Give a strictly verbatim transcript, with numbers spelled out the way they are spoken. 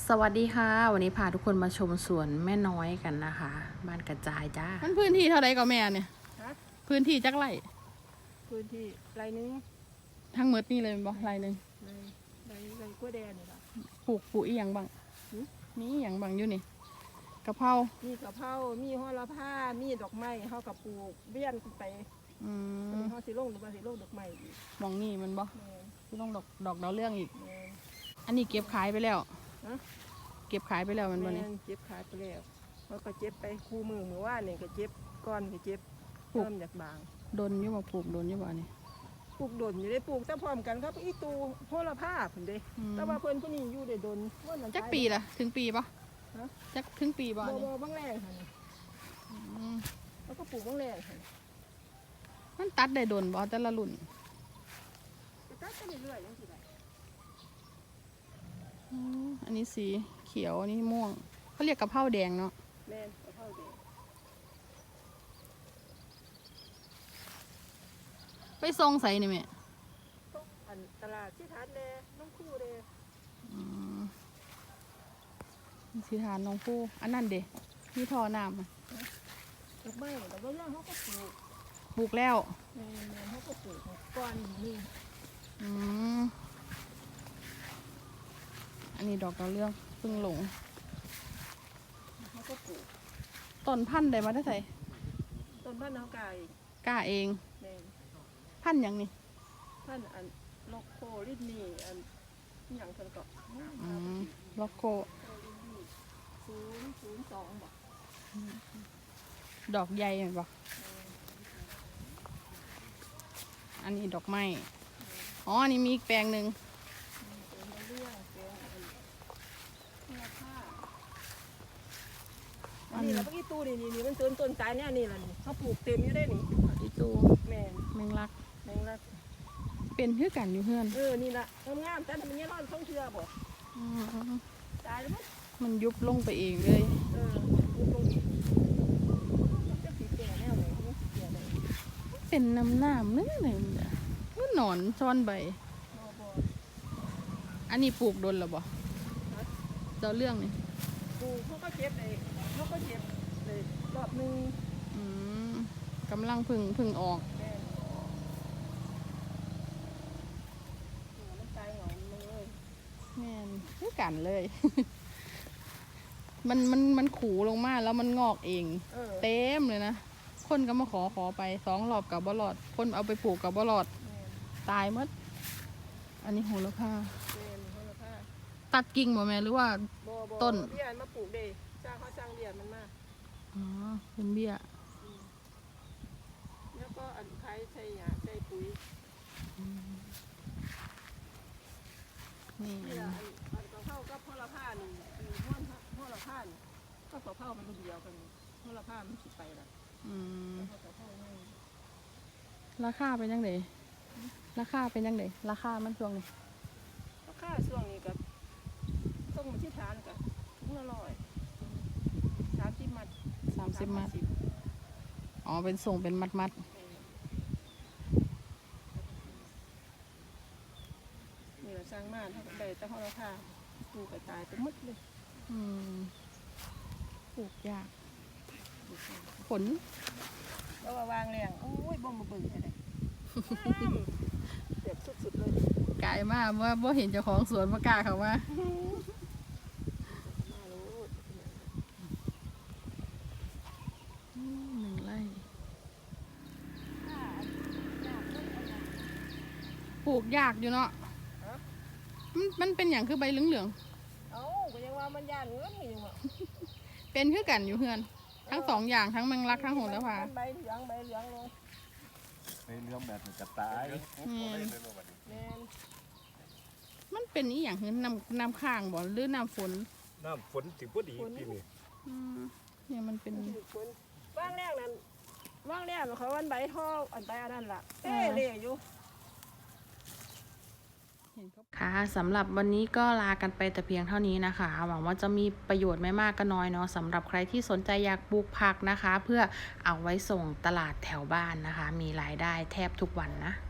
สวัสดีค่ะวันนี้พาทุกคนมาชมสวนแม่น้อยกันนะคะบ้านกระจายจ้ามันพื้นที่เท่าไรก็แม่เนี่ยฮะพื้นที่จักไร่พื้นที่ไรนึงทั้งหมดนี่เลยบ่ไรหนึ่งไรไรไรกล้วยแดงนี่ล่ะปลูกปลูกอีหยังบ้างมีอีหยังบ้างอยู่นี่กะเพรามีกะเพรามีโหระพามีดอกไม้เฮากับปลูกเบี้ยนขึ้นไปอืมเฮาสิลงหรือว่าสิลงดอกไม้อีกมองนี่มันบ่แม่นที่ต้องดอกดอกดาวเรื่องอีกแม่นอันนี้เก็บขายไปแล้วฮะเก็บขายไปแล้วมันบ่แม่นี่นเจ็บขาไปแล้วเขาก็เจ็บไปคู่มือมือว่านี่ก็เจ็บก้อนก็เจ็บเริ่มจากบางดนอยู่บ่ปลูกดนอยู่บ่นี่ปลูกดนอยู่ได้ปลูกแต่พร้อมกันครับอีตูโหระพาเพิ่นเด้แต่ว่าเพิ่นผู้นี้อยู่ได้ดนว่านั่นจักปีละถึงปีปะฮะจักถึงปีบ่บ่อันนี้บ่บางแรงค่ะนี่อืมแล้วก็ปลูกบางแรงค่ะมันตัดได้ดนบ่แต่ละรุ่นก็ตัดไปเรื่อยๆจังซี่แหละอืมอันนี้สีเขียวอันนี้ม่วงเขาเรียกกะเพราแดงเนาะแม่นกะเพราแดงไปทรงใส่นี่แม่ต้องอันตลาดที่ทัดเลยน้องคู่เลยอืมสีทานน้องผู้อันนั้นเด้มีท่อน้ำอะดอกไม้แต่ว่าเรื่องเขาก็ปลูกปลูกแล้วแม่แม่เขาก็ปลูกก้อนนี่อืมอันนี้ดอกดาวเรื่องเพิ่งหลงเขาก็ปลูกต้นพันธุ์ได้มาได้ใส่ต้นพันธุ์เขาไก่กล้าเองแม่พันธุ์หยังนี่พันธุ์อันโลโคลิดนี่อันอหย่างเพิ่นก็อืมล็อกโกศูนย์ศูนย์สองบอกดอกใหญ่เห็นปะอันนี้ดอกไม้อ๋ออันนี้มีอีกแปลงหนึ่งเป็นเรื่องเป็นอันมูลค่าอันนี้แล้วเมื่อกี้ตู้นี่นี่นี่มันต้นต้นสายเนี่ยนี่แหละนี่เขาปลูกเต็มอยู่ได้นี่อีตูแม่นแมงลักแมงลักเป็นคือกันอยู่เพื่อนเออนี่ละงามๆแต่ทำไมเนี่ยร้อนท่องเชื่อบ่อืมตายแล้วมั้งมันยุบลงไปเองเลยเออปลูกลงอีกจะสีแก่แน่เลยไม่สีแก่เลยเป็นน้ำน้ำนึกเลยมันหนอนซ่อนใบบ่บ่อันนี้ปลูกโดนหรอบ่เจ้าเรื่องนี่ปลูกเขาก็เจ็บเลยเขาก็เจ็บเลยรอบหนึงอืมกำลังพึ่งพึ่งออกแม่นมันตายเหงาเลยแม่นคือกันเลย มันมันมันขูลงมาแล้วมันงอกเองเออเต็มเลยนะ คนก็มาขอขอไปสองรอบกับบลอด คนเอาไปปลูกกับบลอดแม่นตายหมด อันนี้โหระพาแม่นโหระพาตัดกิ่งบ่แม่หรือว่าบ่บ่ต้นเบี้ยมาปลูกเด้จ้างเขาจ้างเบี้ยมันมาอ๋อเป็นเบี้ยแล้วก็อันไข่ใส่หญ้าใส่ปุ๋ยนี่นี่ล่ะอันอันกะเพรากับโหระพานี่อันโหระโหระพานี่ก็กะเพรามันรุ่นเดียวกันนี่โหระพามันสิไปละอืมกะเพรานี่ราคาเป็นยังไงราคาเป็นยังไงราคามันช่วงนี้ราคาช่วงนี้กับต้องมาที่ฐานกับถุงละร้อยสามสิบมัดสามสิบมัด อ๋อ เป็นส่งเป็นมัดมัดนี่เราสร้างม่านเขาก็ได้แต่เขาเราพาปลูกกระจายไปหมดเลยๆอืมปลูกยากผลแล้วว่าวางแรงโอ้ยบ่มาเบิ่งอะไรเจ็บสุดๆเลยกลายมากว่าบ่เห็นเจ้าของสวนมากล้าเขาว่ามารู้หนึ่งไร่ปลูกยากอยู่เนาะมันมันเป็นอย่างคือใบเหลืองเอ้าก็ยังว่ามันยานเงินอยู่อ่ะๆเป็นคือกันอยู่เพื่อน ทั้งสองอย่างทั้งแมงลักทั้งโหระพาใบเหลืองใบเหลืองลงในเรื่องแบบมันจะตายแม่นมันเป็นอีอย่างคือน้ำน้ำข้างบ่หรือน้ำฝนน้ำฝนถึงพอดีปีนี้อืมเนี่ยมันเป็นถือคนว่างแรกนั้นว่างแรกเขาวันใบท่ออันใบอันนั้นล่ะเต้เล่อยู่ค่ะสำหรับวันนี้ก็ลากันไปแต่เพียงเท่านี้นะคะหวังว่าจะมีประโยชน์ไม่มากก็น้อยเนาะสำหรับใครที่สนใจอยากปลูกผักนะคะ เพื่อเอาไว้ส่งตลาดแถวบ้านนะคะ มีรายได้แทบทุกวันนะ